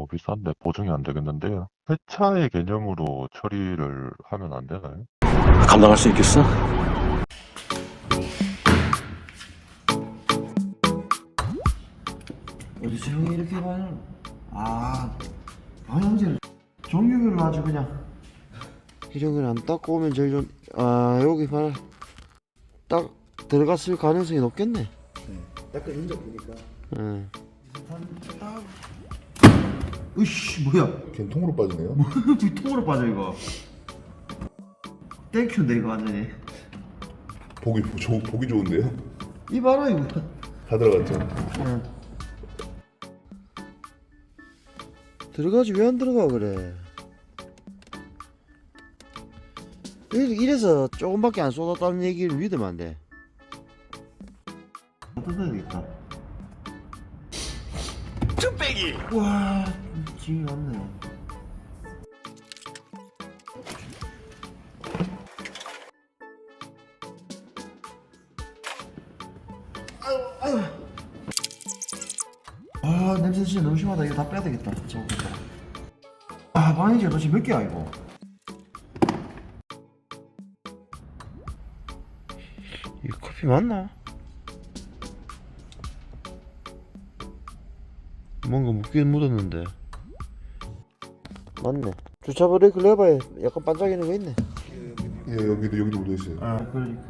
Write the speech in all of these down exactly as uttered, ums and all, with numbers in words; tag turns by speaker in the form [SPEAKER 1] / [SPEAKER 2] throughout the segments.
[SPEAKER 1] 비싼데 보증이 안 되겠는데요. 회차의 개념으로 처리를 하면 안 되나요?
[SPEAKER 2] 감당할 수 있겠어?
[SPEAKER 3] 어디서 형이 이렇게 많이 아 방향제를 종류별로 아주 그냥 이런 건 안 닦고 오면 제일 좀 아 여기 봐라 딱 들어갔을 가능성이 높겠네. 네. 닦은 흔적 보니까. 응. 으이씨 뭐야?
[SPEAKER 4] 걔는 통으로 빠지네요.
[SPEAKER 3] 왜 통으로 빠져 이거? 땡큐인데 이거 완전히.
[SPEAKER 4] 보기 조, 보기 좋은데요?
[SPEAKER 3] 이 봐라 이거.
[SPEAKER 4] 다 들어갔죠.
[SPEAKER 3] 응. 들어가지 왜 안 들어가 그래? 이래서 조금밖에 안 쏟았다는 얘기를 믿으면 안 돼. 뜯어야 되겠다.
[SPEAKER 2] 쭈빼기!
[SPEAKER 3] 와, 짐이 많네. 아유, 아유. 아, 냄새 진짜 너무 심하다. 이거 다 빼야 되겠다. 저거. 아, 방해제 도대체 몇 개야 이거? 이 커피 맞나? 뭔가 묻긴 묻었는데. 맞네. 주차 브레이크 레버에 약간 반짝이는 거 있네.
[SPEAKER 4] 예, 여기도 여기도 묻어 있어요.
[SPEAKER 3] 아, 그러니까.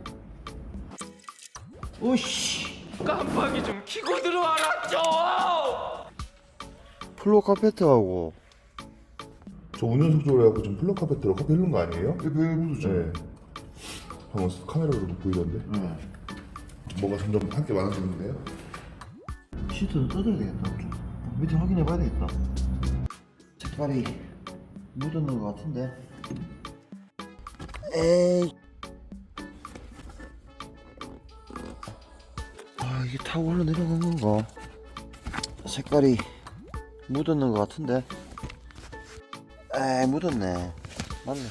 [SPEAKER 3] 오씨.
[SPEAKER 2] 깜빡이 좀 켜고 들어와라 좀!
[SPEAKER 3] 플로 카페트하고.
[SPEAKER 4] 저 운전석 쪽으로 해갖고 좀 플러 카페트로 커피 흐른 거 아니에요?
[SPEAKER 3] 예, 왜 묻었죠?
[SPEAKER 4] 네. 방금 카메라로도 보이던데.
[SPEAKER 3] 네.
[SPEAKER 4] 뭐가 점점 할 게 많아지는데요?
[SPEAKER 3] 시트는 뜯어야 되겠다. 좀. 밑에 확인해 봐야 되겠다. 색깔이 묻었는 것 같은데. 에이. 아, 이게 타고 흘러내려간 건가? 색깔이 묻었는 것 같은데. 에이, 묻었네. 맞네.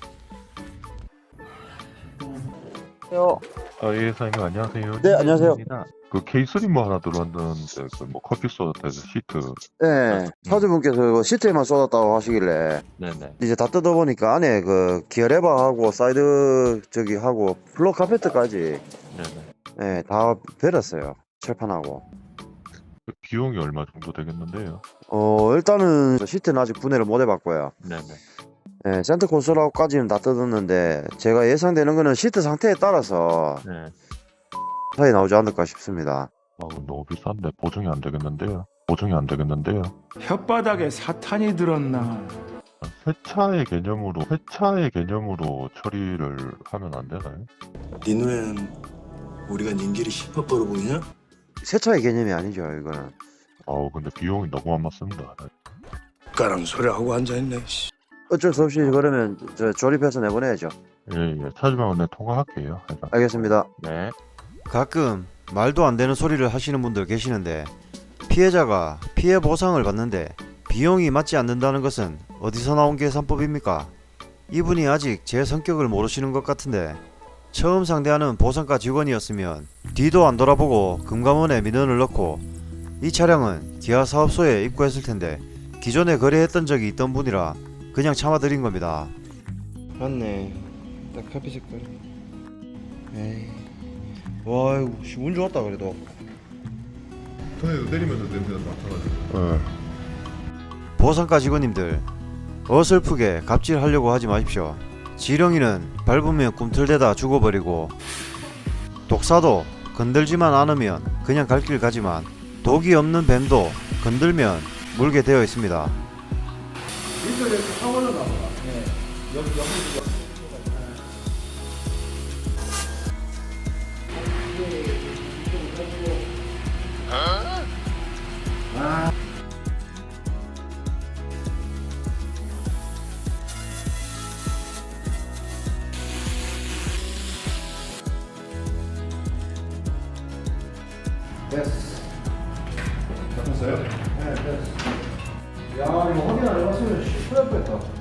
[SPEAKER 3] 요.
[SPEAKER 1] 아, 예, 사장님 안녕하세요.
[SPEAKER 3] 네, 안녕하세요.
[SPEAKER 1] 그 케이스리 뭐 하나 들어왔는데 그 뭐 커피 쏟았다해서 시트.
[SPEAKER 3] 네, 사주분께서 시트에만 쏟았다고 하시길래
[SPEAKER 1] 네네.
[SPEAKER 3] 이제 다 뜯어보니까 안에 그 기어 레버하고 사이드 저기 하고 플로 카페트까지
[SPEAKER 1] 네네.
[SPEAKER 3] 네, 다 베렸어요. 철판하고.
[SPEAKER 1] 그 비용이 얼마 정도 되겠는데요?
[SPEAKER 3] 어 일단은 시트는 아직 분해를 못 해봤고요.
[SPEAKER 1] 네네.
[SPEAKER 3] 네, 센터 콘솔하고까지는 다 뜯었는데 제가 예상되는 거는 시트 상태에 따라서
[SPEAKER 1] 네.
[SPEAKER 3] 차이 나오지 않을까 싶습니다.
[SPEAKER 1] 아, 너무 비싼데 보증이 안 되겠는데요? 보증이 안 되겠는데요?
[SPEAKER 5] 혓바닥에 사탄이 들었나?
[SPEAKER 1] 회차의 개념으로 회차의 개념으로 처리를 하면 안 되나요?
[SPEAKER 6] 네 눈에는 우리가 닌길이 힙합버로 보이냐?
[SPEAKER 3] 세차의 개념이 아니죠 이거는.
[SPEAKER 1] 아우 근데 비용이 너무 안 맞습니다.
[SPEAKER 6] 까랑 소리하고 앉아있네. 씨.
[SPEAKER 3] 어쩔 수 없이 그러면 저 조립해서 내보내야죠.
[SPEAKER 1] 예예. 찾으면 내 통화할게요. 해서.
[SPEAKER 3] 알겠습니다.
[SPEAKER 1] 네.
[SPEAKER 7] 가끔 말도 안 되는 소리를 하시는 분들 계시는데 피해자가 피해 보상을 받는데 비용이 맞지 않는다는 것은 어디서 나온 계산법입니까? 이분이 아직 제 성격을 모르시는 것 같은데 처음 상대하는 보상과 직원이었으면 뒤도 안 돌아보고 금감원에 민원을 넣고 이 차량은 기아 사업소에 입고했을 텐데 기존에 거래했던 적이 있던 분이라 그냥 참아드린 겁니다.
[SPEAKER 3] 맞네. 딱 카피 색깔. 에이. 와, 이거 운 좋았다 그래도.
[SPEAKER 4] 손에도 때리면서 냄새가 맡아가지고.
[SPEAKER 3] 어.
[SPEAKER 7] 보상과 직원님들 어설프게 갑질하려고 하지 마십시오. 지렁이는 밟으면 꿈틀대다 죽어버리고 독사도 건들지만 않으면 그냥 갈 길 가지만 독이 없는 뱀도 건들면 물게 되어 있습니다.
[SPEAKER 3] 됐어. 잡혔어요? 네, 됐어. 야, 이거 확인 안 해봤으면 큰일 날 뻔했다.